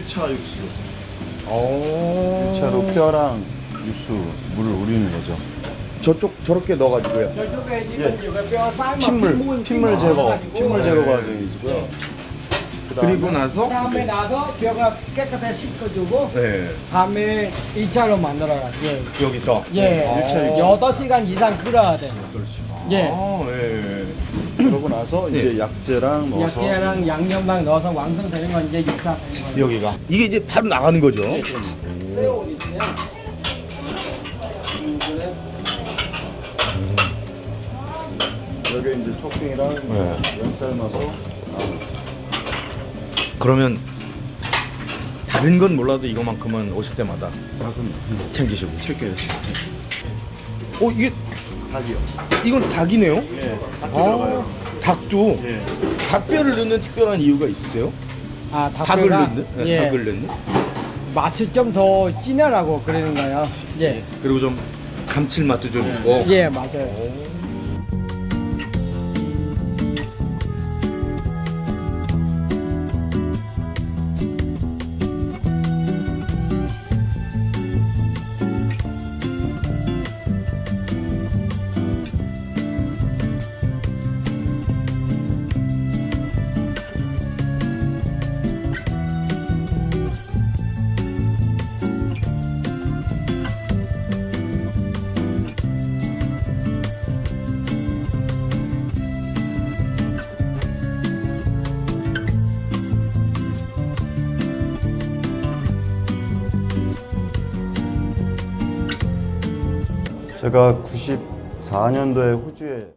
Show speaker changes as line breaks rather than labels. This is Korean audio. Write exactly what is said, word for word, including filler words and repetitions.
차 육수.
오.
일 차로 뼈랑 육수, 물을 우리는 거죠.
저쪽 저렇게 넣어가지고요.
저쪽에 지금
예.
이거 뼈 삶아
핏물,
핏물,
핏물 제거,
가지고
핏물 제거
네.
과정이고요. 그다음에
그리고 나서
다음에 나서 뼈가 깨끗하게 씻어주고
네.
다음에 일 차로 만들어가지고
여기서
예,
아.
일 차, 이 차.
여덟 시간 이상 끓여야 돼. 예.
아, 예.
그러고 나서 이제
예.
약재랑 넣어서
약재랑 양념랑 넣어서 완성되는 건 이제 육 차 되는 거예요.
여기가 이게 이제 바로 나가는 거죠.
새우 있어요.
여기 이제 토핑이랑
네.
면 삶아서
그러면 다른 건 몰라도 이거만큼은 오실 때마다
닭은
챙기시고.
챙겨요.
어 이게
닭이요.
이건 닭이네요.
예, 닭도
아,
들어가요.
닭도
예.
닭뼈를 넣는 특별한 이유가 있으세요?
아,
닭을
닭뼈가
넣는? 네,
예,
닭을 넣는.
맛을 좀 더 진하라고 그러는 거예요. 예,
그리고 좀 감칠맛도 좀 있고.
예, 맞아요.
제가 구십사 년도에 호주에